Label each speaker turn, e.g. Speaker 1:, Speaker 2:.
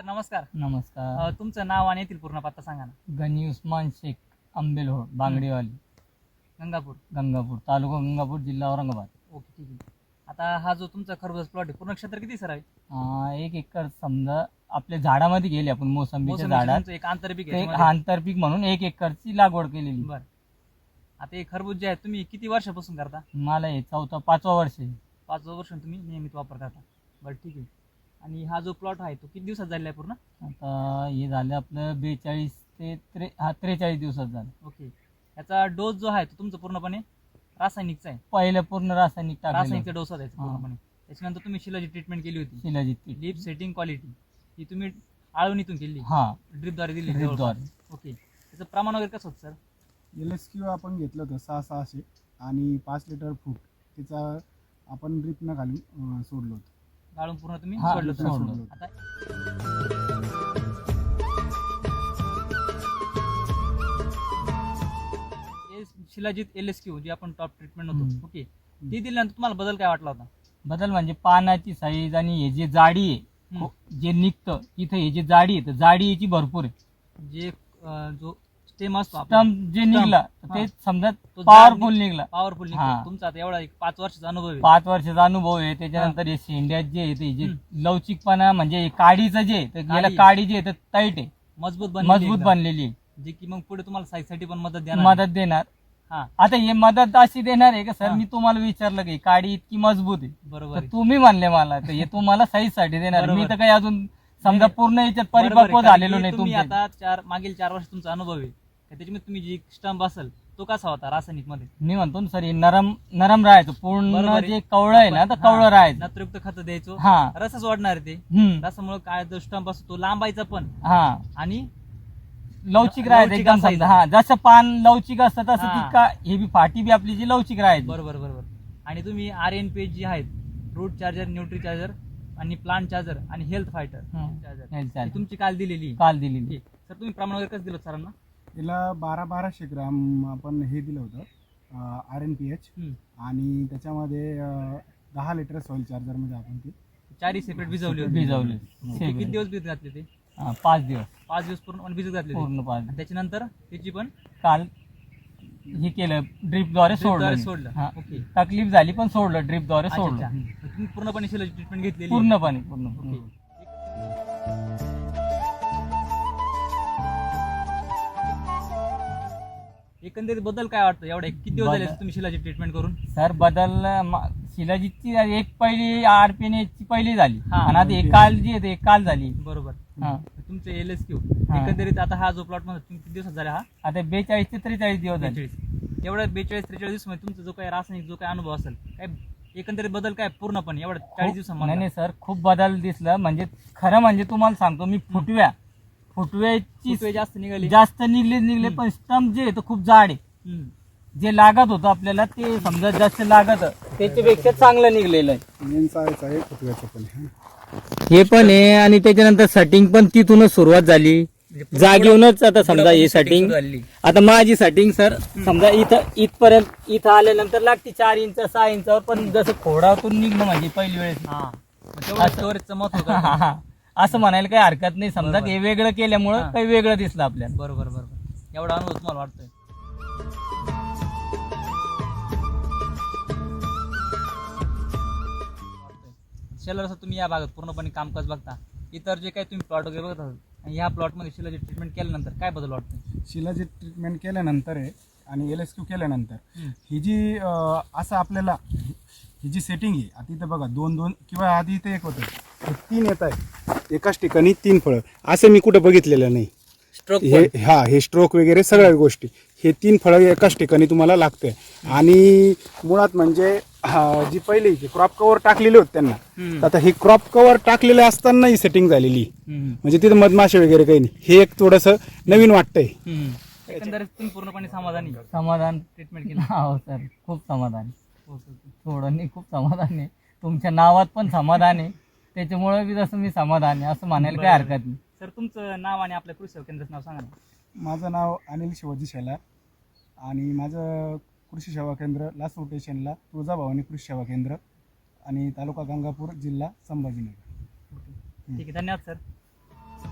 Speaker 1: नमस्कार.
Speaker 2: नमस्कार.
Speaker 1: तुमचं नाव आणि येथील पूर्ण पत्ता सांगा ना.
Speaker 2: गनी उस्मान शेख, आंबेलहोड, बांगडेवाली,
Speaker 1: गंगापूर.
Speaker 2: गंगापूर, तालुका गंगापूर, जिल्हा औरंगाबाद.
Speaker 1: ओके, ठीक आहे. आता हा जो तुमचा खरबूज प्लॉट आहे, पूर्ण क्षेत्र किती सर आहे?
Speaker 2: 1 एकर समजा आपल्या झाडामध्ये गेली आपण मोसंबीच्या झाडात
Speaker 1: तुमचं एक आंतरपीक आहे
Speaker 2: एक
Speaker 1: याच्यामध्ये?
Speaker 2: आंतरपीक म्हणून 1 एकरची लागवड केलेली.
Speaker 1: बरं. आता हे खरबूज जे आहे तुम्ही किती वर्षापासून करता?
Speaker 2: मला हे 5वा वर्ष आहे.
Speaker 1: 5 वर्ष तुम्ही नियमित वापर करता. बरं, ठीक आहे. आणि हा जो प्लॉट आहे तो किती दिवसात झालेला आहे पूर्ण?
Speaker 2: आता हे झालं आपलं 42 ते 43 दिवसात झालं.
Speaker 1: ओके. याचा डोस जो आहे तो तुमचा पूर्णपणे रासायनिकचा आहे.
Speaker 2: पहिलं पूर्ण रासायनिक
Speaker 1: रासायनिकचा डोस आहे
Speaker 2: हा.
Speaker 1: पूर्णपणे. त्याच्यानंतर तुम्ही शिलाची ट्रीटमेंट केली होती.
Speaker 2: शिलाजीत पीठ.
Speaker 1: लीफ सेटिंग क्वालिटी ही तुम्ही आळवणीतून केली,
Speaker 2: हा,
Speaker 1: ड्रिपद्वारे दिली.
Speaker 2: ड्रिपद्वारे.
Speaker 1: ओके. त्याचं प्रमाण वगैरे कसं होतं सर?
Speaker 3: LSQ आपण घेतलं होतं 600 आणि 5 लिटर फूट त्याचा आपण ड्रिप न घालून सोडलं होतं.
Speaker 1: गाळून पूर्ण तुम्ही
Speaker 2: हा,
Speaker 1: सोडलं होतं.
Speaker 2: सोडलं.
Speaker 1: आता शिलाजीत LSQ जी आपण टॉप ट्रीटमेंट होतो, ओके, ती दिल्यानंतर तुम्हाला बदल काय वाटला होता?
Speaker 2: बदल म्हणजे पानाची साईज आणि हे जे जाडी आहे जे निघतं इथं हे जे जाडी आहे तर जाडी याची भरपूर आहे.
Speaker 1: जे जो स्टेम असतो आपला,
Speaker 2: स्टंप जे निघला तर ते
Speaker 1: हा.
Speaker 2: समजा
Speaker 1: तो
Speaker 2: पॉवरफुल निघला.
Speaker 1: पॉवरफुल
Speaker 2: हा.
Speaker 1: तुमचा आता एवढा एक 5 वर्षाचा अनुभव आहे.
Speaker 2: 5 वर्षाचा अनुभव आहे. त्याच्यानंतर हे शेंड्यात जे आहे ते जे लवचिकपणा म्हणजे हे काडीचं जे आहे, तर याला
Speaker 1: काडी.
Speaker 2: काडी जे आहे तर टाईट आहे,
Speaker 1: मजबूत बनलेली एकदम.
Speaker 2: बनलेली आहे.
Speaker 1: जे की मग पुढे तुम्हाला साईज साठी पण मदत देणार.
Speaker 2: मदत देणार.
Speaker 1: हा,
Speaker 2: आता हे मदत अशी देणार आहे का सर?
Speaker 1: हा.
Speaker 2: मी तुम्हाला विचारलं की काडी इतकी मजबूत आहे
Speaker 1: बरोबर
Speaker 2: तर
Speaker 1: आहे.
Speaker 2: तुम्ही म्हणले मला तर हे तुम्हाला साईज साठी देणार.
Speaker 1: बरोबर.
Speaker 2: मी तर काही अजून समजा
Speaker 1: नाही,
Speaker 2: पूर्ण याच्यात
Speaker 1: बरोबर आहे.
Speaker 2: परिपक्व
Speaker 1: कारण
Speaker 2: झालेलो
Speaker 1: की
Speaker 2: नाही.
Speaker 1: तुम्ही
Speaker 2: तुमच्या
Speaker 1: आता मागील 4 वर्ष तुमचा अनुभव आहे. त्याच्यामध्ये तुम्ही जी स्टंप असेल तो कसा होता रासायनिक मध्ये?
Speaker 2: मी म्हणतो ना सर हे नरम राहायचं पूर्ण.
Speaker 1: बरोबर आहे.
Speaker 2: जे कवळं आहे ना तर कवळं राहायचं.
Speaker 1: नत्रयुक्त खत द्यायचो,
Speaker 2: हा.
Speaker 1: रसच वाढणार ते. रसामुळे काय जो स्टंप असतो तो लांबायचा पण
Speaker 2: हा,
Speaker 1: आणि
Speaker 2: लवचिक राहायचं
Speaker 1: लवचिक
Speaker 2: एकदम.
Speaker 1: असायचं.
Speaker 2: समजा हा, जसं पान लवचिक असतं तसं
Speaker 1: हा.
Speaker 2: ती का हे बी फाटी बी आपली जी लवचिक राहायची.
Speaker 1: बरोबर बरोबर. आणि तुम्ही RNP जी आहेत, रूट चार्जर, न्यूट्री चार्जर आणि प्लांट चार्जर आणि health fighter
Speaker 2: Health
Speaker 1: charger
Speaker 2: charger.
Speaker 1: तुमची काल दिलेली.
Speaker 2: काल दिलेली.
Speaker 1: सर तुम्ही प्रमाण वगैरे कसं दिलं सरांना?
Speaker 3: त्याला 1200 ग्राम आपण हे दिलं होतं RNPH आणि त्याच्यामध्ये 10 लिटर सॉइल चार्जरमध्ये आपण ते
Speaker 1: 4 सेपरेट भिजवली होती.
Speaker 2: भिजवले.
Speaker 1: किती दिवस भिजत घातले ते?
Speaker 2: 5 दिवस
Speaker 1: 5 दिवस पूर्ण भिजत घातले ते.
Speaker 2: पूर्ण 5
Speaker 1: आणि त्याच्यानंतर त्याची पण
Speaker 2: काल हे केलं ड्रिपद्वारे
Speaker 1: ड्रिपद्वारे
Speaker 2: सोडलं.
Speaker 1: सोडलं.
Speaker 2: हा.
Speaker 1: ओके.
Speaker 2: तकलीफ झाली पण सोडलं ड्रिपद्वारे
Speaker 1: अच्छा,
Speaker 2: सोडलं.
Speaker 1: अच्छा. तुम्ही पूर्णपणे शिलाची ट्रीटमेंट घेतलेली आहे.
Speaker 2: पूर्णपणे
Speaker 1: ओके. एकंदरीत बदल काय वाटतं? एवढे किती दिवस झाले तुम्ही शिलाची ट्रीटमेंट करून?
Speaker 2: सर बदल शिलाजीतची एक पहिली RPN ची पहिली झाली
Speaker 1: हा.
Speaker 2: आणि आता एक काल जी आहे ते काल झाली.
Speaker 1: बरोबर.
Speaker 2: हा.
Speaker 1: तुमचे LSQ
Speaker 2: हा.
Speaker 1: एकंदरीत आता हा जो प्लॉट मध्ये तुम्ही किती दिवसात झाला? हा
Speaker 2: आता 42 ते 43 दिवस झाले.
Speaker 1: 43. एवढ्या 42-43 दिवस मध्ये तुमचा जो काही रासायनिक जो काही अनुभव असेल, काय एकंदरीत बदल काय पूर्णपणे एवढ्या 40
Speaker 2: नाही
Speaker 1: दिवसांमध्ये?
Speaker 2: नाही सर खूप बदल दिसला. म्हणजे खरं म्हणजे तुम्हाला सांगतो मी फुटव्याची
Speaker 1: जास्त निघाली.
Speaker 2: जास्त निघले पण स्टंप जे आहे ते खूप जाड आहे. जे लागत होतं आपल्याला ते समजा जास्त लागत त्याच्यापेक्षा चांगलं निघलेलं आहे.
Speaker 3: मेन साईज आहे फुटव्याचं पण
Speaker 2: हे पण आहे आणि त्याच्यानंतर सेटिंग पण तिथूनच सुरुवात झाली. जागेऊनच आता समजा हे सेटिंग आता माझी सेटिंग सर समजा इथपर्यंत इथं आल्यानंतर लागते 4 इंच 6 इंचावर. पण जसं खोडातून निघणं म्हणजे पहिली वेळेस
Speaker 1: स्टोरेजचं महत्व
Speaker 2: हा, हा, हा. असं म्हणायला काही हरकत नाही. समजा
Speaker 1: बरोबर.
Speaker 2: हे वेगळं केल्यामुळं
Speaker 1: हा.
Speaker 2: काही वेगळं दिसलं आपल्याला.
Speaker 1: बरोबर बरोबर. एवढा अनुभव तुम्हाला वाटतोय? शेलर तुम्ही या भागात पूर्णपणे कामकाज बघता, इतर जे काही तुम्ही प्लॉट वगैरे बघत आहात आणि ह्या प्लॉट मध्ये शिलाची ट्रीटमेंट केल्यानंतर काय बदल वाटतो?
Speaker 3: शिलाची ट्रीटमेंट केल्यानंतर आहे आणि LSQ केल्यानंतर ही जी असं आपल्याला ही जी सेटिंग आहे आता इथं बघा 2-2 किंवा आधी इथे एक होतं 3 येत आहे एकाच ठिकाणी 3 फळं असं मी कुठं बघितलेलं नाही.
Speaker 1: स्ट्रोक
Speaker 3: हे स्ट्रोक वगैरे सगळ्या गोष्टी हे 3 फळं एकाच ठिकाणी तुम्हाला लागते. आणि मुळात म्हणजे जी पहिली क्रॉप कव्हर टाकलेले होते त्यांना, आता ही क्रॉप कव्हर टाकलेले असताना ही सेटिंग झालेली म्हणजे तिथं मधमाशे वगैरे काही नाही. हे एक थोडंसं नवीन वाटतंय.
Speaker 1: एकंदरीत तुम्ही पूर्णपणे समाधानी?
Speaker 2: समाधान
Speaker 1: ट्रीटमेंट केली?
Speaker 2: हो सर खूप समाधान. थोडं नाही खूप समाधान आहे. तुमच्या नावात पण समाधान आहे त्याच्यामुळे बी जसं मी समाधान आहे असं म्हणायला काही हरकत नाही.
Speaker 1: सर तुमचं नाव आणि आपल्या कृषी सेवा केंद्राचं नाव सांगा ना.
Speaker 3: माझं नाव अनिल शिवाजी शेलार आणि माझं कृषी सेवा केंद्र लासूर स्टेशनला तुळजाभवानी कृषी सेवा केंद्र आणि तालुका गंगापूर, जिल्हा संभाजीनगर.
Speaker 1: ठीक आहे, धन्यवाद सर.